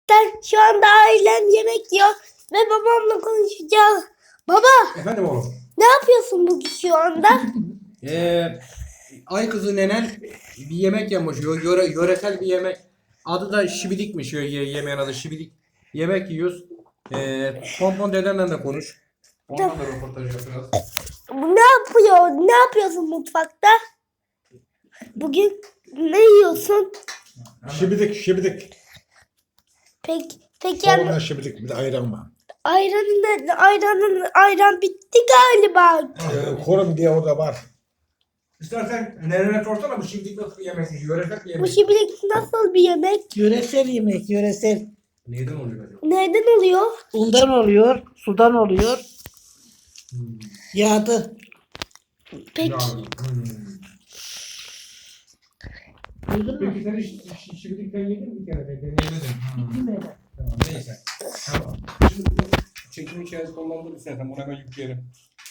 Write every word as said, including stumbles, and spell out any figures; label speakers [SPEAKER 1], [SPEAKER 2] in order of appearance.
[SPEAKER 1] mutfaktan. Şu anda ailem yemek yiyor ve babamla konuşacağız. Baba,
[SPEAKER 2] Efendim oğlum.
[SPEAKER 1] ne yapıyorsun bugün şu anda?
[SPEAKER 2] Ee, ay kızı nenen bir yemek yemiş. Yö- Yöre, yöresel bir yemek. Adı da şibidikmiş. Ye, ye- yemeğin adı şibidik. Yemek yiyoruz. Ee, Pompon dedenle de konuş. Ondan da röportaj yapacağız.
[SPEAKER 1] Ne yapıyor? Ne yapıyorsun mutfakta? Bugün ne yiyorsun?
[SPEAKER 3] Şibidik şibidik.
[SPEAKER 1] Peki, peki
[SPEAKER 3] Kavunla
[SPEAKER 1] yani
[SPEAKER 3] şibidik bir de ayran var.
[SPEAKER 1] ayranın ayranın ayran bitti galiba.
[SPEAKER 3] Ee, korum diye o da var.
[SPEAKER 2] İstersen nenene sorsana bu şibidik nasıl bir yemek? Yöresel bir
[SPEAKER 1] Bu
[SPEAKER 2] yemek.
[SPEAKER 1] şimdilik nasıl bir yemek?
[SPEAKER 4] Yöresel yemek, yöresel.
[SPEAKER 2] Neyden oluyor acaba?
[SPEAKER 1] Nereden oluyor?
[SPEAKER 4] Undan oluyor, sudan oluyor. Yağdı.
[SPEAKER 1] Peki.
[SPEAKER 2] Ya, hmm.
[SPEAKER 4] Duydun mu?
[SPEAKER 2] Peki sen hiç şi- şibidikten yedin mi bir kere? Ben yemedim. Hmm.
[SPEAKER 4] Bilmeden.
[SPEAKER 2] Tamam, neyse. Tamam. Şimdi bu çekim hikayesi kullanılır istersen bunu hemen yükleyelim.